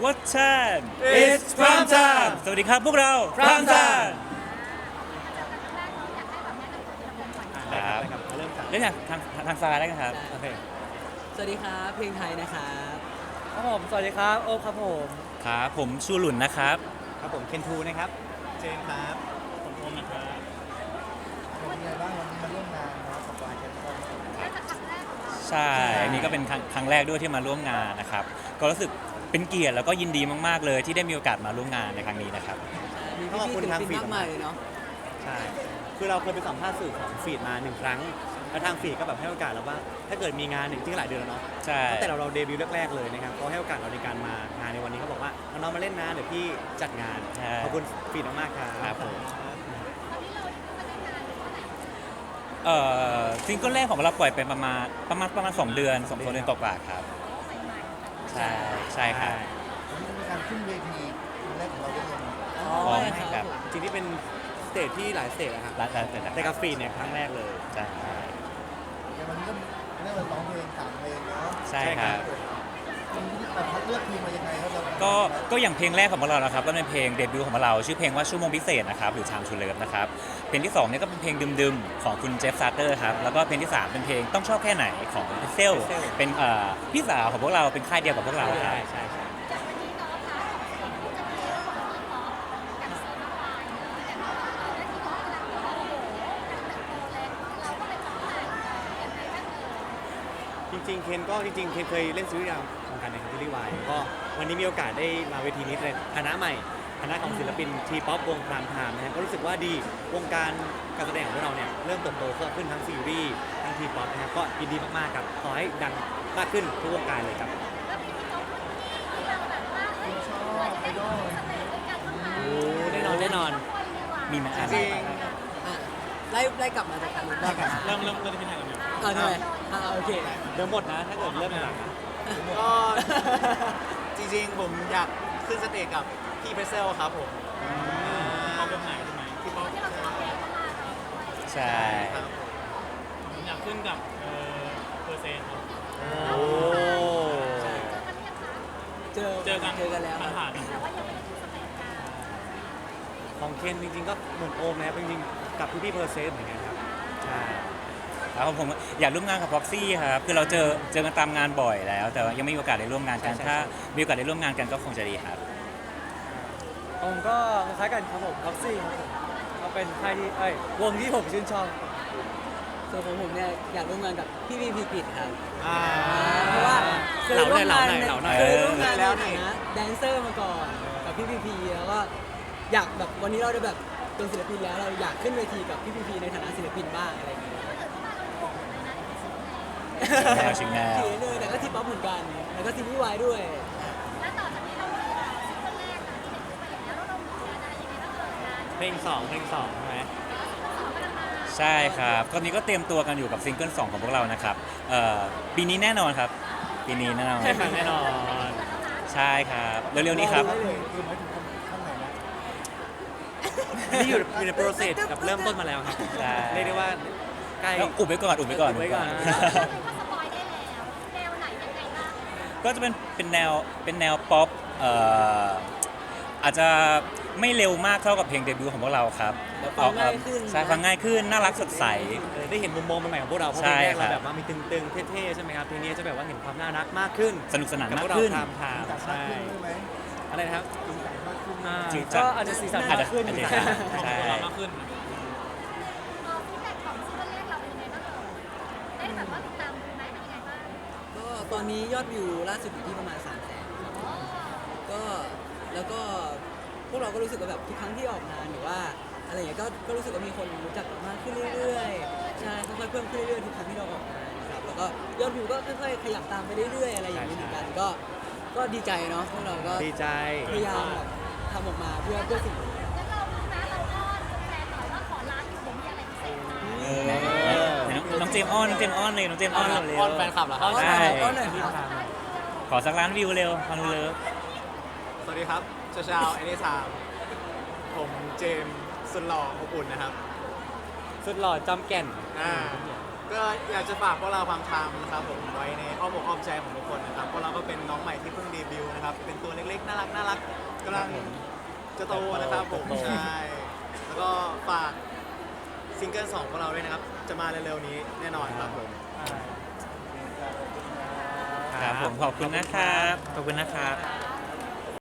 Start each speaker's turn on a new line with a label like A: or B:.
A: What time
B: It's prime time
A: สวัสดีครับพวกเรา
B: Prime Time
A: ครับ
B: เริ่มจาก
A: เล่นจากทางซ้ายได้กันครับ
B: โอเค
C: สวัสดีครับเพลงไทยนะครับ
B: ครับผมสวัสดีครับโอ๊คครับผม
A: ครับผมชูหลุนนะครับ
B: ครับผมเคนทูนะครับเจนครับผมโอมนะครับ
D: เป็นยังไงบ้างวันนี้มาร่วมงานเนาะกับวายแคทคอน
A: ใช่อันนี้ก็เป็นครั้งแรกด้วยที่มาร่วมงานนะครับก็รู้สึกเป็นเกียรติแล้วก็ยินดีมากๆเลยที่ได้มีโอกาสมาร่วมงานในครั้งนี้นะครับ
C: มี
B: ขอบ
C: พี่
B: คุ
C: ๆ
B: ณ
C: ศิล
B: ทาง
C: ปิน
B: ฟีด
C: มากมายเลยเนาะ
B: ใช่คือเราเคยไปสัมภาษณ์สื่อของฟีดมา1 ครั้งแล้วทางฟีดก็แบบให้โอกาสเราว่า ถ้าเกิดมีงานหนึ่งที่หลายเดือนแล้วเนาะ
A: ใช่
B: ตั้งแต่เราเดบิวต์แรกๆเลยนะครับเขาให้โอกาสเราในการมางานในวันนี้เขาบอกว่าน้องๆมาเล่นนะเดี๋ยวพี่จัดงานขอบคุณฟีดมากๆครับ
A: ครับผมซิงเกิลแรกของเราปล่อยไปประมาณ2 เดือน2 เดือนกว่าๆครับใช่ครับ
D: วันนี้มีการขึ้นเวทีครั้งแรกของเราด้วยเนาะ
C: อ๋อ
A: พร้อม
C: ใช่
A: ค
C: ค
A: รั
C: รับ บผม
B: จริงๆที่เป็นสเตจที่หลายสเตจอะครับ
A: ร้านเสร็จแล้ว
B: แต่กับฟีดเนี่ยครั้งแรกเลย
A: ใช่
D: แต่วันนี้ก็เรียกว่าร้องเพลง3 เพลงเนาะ
A: ใช่ครับ
D: วันนี้แต่พัดเลือกเพลงมายังไงครับเรา
A: ก็อย่างเพลงแรกของพวกเรานะครับก็เป็นเพลงเดบิวต์ของพวกเราชื่อเพลงว่าชั่วโมงพิเศษนะครับหรือ Time to Love นะครับเพลงที่2เนี่ยก็เป็นเพลงดึมๆของคุณเจฟซาร์เตอร์ครับแล้วก็เพลงที่3เป็นเพลงต้องชอบแค่ไหนของพิเซลเป็นพี่สาวของพวกเราเป็นค่ายเดียวกับพวกเราค
B: ใช่
A: รับ
B: ใช่ใช่ จริงๆ เคนเคยเล่นซีรีส์วงการในซีรีส์วายก็วันนี้มีโอกาสได้มาเวทีนี้ในคณะใหม่คณะของศิลปินทีป๊อปวงพรามไทม์นะฮะก็รู้สึกว่าดีวงการการแสดงของพวกเราเนี่ยเริ่มเติบโตเพิ่มขึ้นทั้งซีรีส์ทั้งทีป๊อปนะครับก็ยินดีมากๆครับขอให้ดังมากขึ้นทุกวงการเลยครับ
D: ชอบไอดอล
B: โอ้แน่นอน
A: มีไหม
B: จริง
C: อ่ะไล่กลับมาจากการลุ้นได้กัน
B: เริ่มจะเป็นยังไงกัน
C: ทำไมโอเค
B: เดี๋ยวหมดนะถ้าเกิดเริ่มหลัง
E: ก็ จริงๆ ผมอยากขึ้นสเตจกับพี่เพรสเซลครับผม
B: เขาเป็นไหนใช่ไหมที่เขา
A: ใช่
E: ครับ
B: ผมอยากขึ้นกับเปอร์เซ็นต์ครับ
E: โอ้
C: เจอกันแล้วครับ
B: ผ่านของเคนจริงๆก็เหมือนโอมนะครับจริงๆกับพี่ๆเพอร์เซนต์เหมือนกันครับใช่
A: ครับผมอยากร่วมงานกับพ็อกซี่ครับคือเราเจอกันตามงานบ่อยแล้ว แต่ว่ายังไม่มีโอกาสได้ร่วมงานกันถ้ามีโอกาสได้ร่วมงานกันก็คงจะดีครับ
F: ผมก็คล้ายๆกันครับผมท็อกซี่ครับผมเขาเป็นค่ายที่วงที่ผมชื่นชอบ
C: ส่วนของผมเนี่ยอยากร่วมงานกับพี่พีพีกิจครับ
E: อ่า
C: เพราะว่าเคยร่วมงาน
B: เหล่าหน่อย
C: เคยร่วมงานใน
E: แล้ว
C: ฐา
E: นี่
C: นะแดนเซอร์มาก่อนกับพี่พีพีแล้วก็อยากแบบวันนี้เราได้แบบเป็นศิลปินแล้วเราอยากขึ้นเวทีกับพี่พีพีในฐานะศิลปินบ้างอะไรอย่างเงี้ย
A: ชิงแนว
C: เขียนเลยแต่ก็ทีป๊อปเหมือนกัน แล้วก็ซีรีส์วายด้วย
B: เพลง2ใช่ไหม
A: ใช่ครับตอนนี้ก็เตรียมตัวกันอยู่กับซิงเกิล2ของพวกเรานะครับปีนี้แน่นอนครับปีนี้แน่นอน
B: ใช่ครับแน่นอน
A: ใช่ครับเร็วๆนี้ครับ
D: คือหมายถึงข้างไหนนะ
B: นี่อยู่ในโปรเซสกับเริ่มต้นมาแล้วครับ
A: ใช่
B: เรียกได้ว่าใกล้
A: แล้วอุบไว้ก่อน
B: อุบไว้ก่อน
A: ก็จะเป็นแนวป๊อปอาจจะไม่เร็วมากเท่ากับเพลงเดบิวต์ของพวกเราครับ
C: ฟังง่ายขึ้น
A: ใช่ฟังง่ายขึ้นน่ารักสดใส
B: ได้เห็นมุมมองใหม่ๆของพวกเราเพราะ
A: ใช่
B: เพลงแรก
A: ครั
B: เรา
A: บ
B: แบบว่ามีตึงๆเท่ๆใช่ไหมครับเพลงนี้จะแบบว่าเห็นความน่ารักมากขึ้น
A: สนุกสนาน
B: กับ
A: มา
B: พ
A: ก
B: วกเรา
A: ขึ้น
B: ทำ
D: จัด
B: ใช่
D: มากขึ้นด้วยไหม
B: อะไรนะครับ
D: จัดมากขึ้น
A: จริง
F: ก็อาจจะสีสัน
A: อาจ
F: มา
A: จะ
F: กขึ้น
A: อาจจะใช่
B: มากขึ้น
C: ก็ตอนนี้ยอดวิวล่าสุดอยู่ที่ประมาณ300,000ก็แล้วก็พวกเราก็รู้สึกว่าแบบทุกครั้งที่ออกงานหรือว่าอะไรอย่างเงี้ยก็รู้สึกว่ามีคนรู้จักมากขึ้นเรื่อยๆใช่ค่อยๆเพิ่มขึ้นเรื่อยๆทุกครั้งที่เราออกงานครับแล้วก็ยอดวิวก็ค่อยๆขยับตามไปเรื่อยๆอะไรอย่างนี้เหมือนกันก็ดีใจเนาะพวกเราก็
B: ดีใจ
C: พยายามแบบทำออกมาเพื่อสิ่งนี้
A: น้องเจมส์อ้อนเลยน้องเจมส์อ้อนเลยเร็ว
E: อ้อนแฟนคลับเหรอครับ
A: ใช่
C: ก็หน่อยครับ
A: ขอสักล้านวิวเร็วฟังเลิฟ
E: สวัสดีครับชาวเอเนทามผมเจมส์สุดหล่ออบอุ่นนะครับ
B: สุดหล่อจอมแก่น
E: อ่าก็อยากจะฝากพวกเราความทามนะครับผมไว้ในอ้อมอกอ้อมใจของทุกคนนะครับพวกเราก็เป็นน้องใหม่ที่เพิ่งเดบิวต์นะครับเป็นตัวเล็กๆน่ารักกำลังจะโตนะครับผมใช่แล้วก็ฝากซิงเกิล2ของเราด้วยนะครับจะมาเร็วๆนี้แน่นอนครับผม
A: ครับผมขอบคุณนะครับ ขอบคุณนะครับ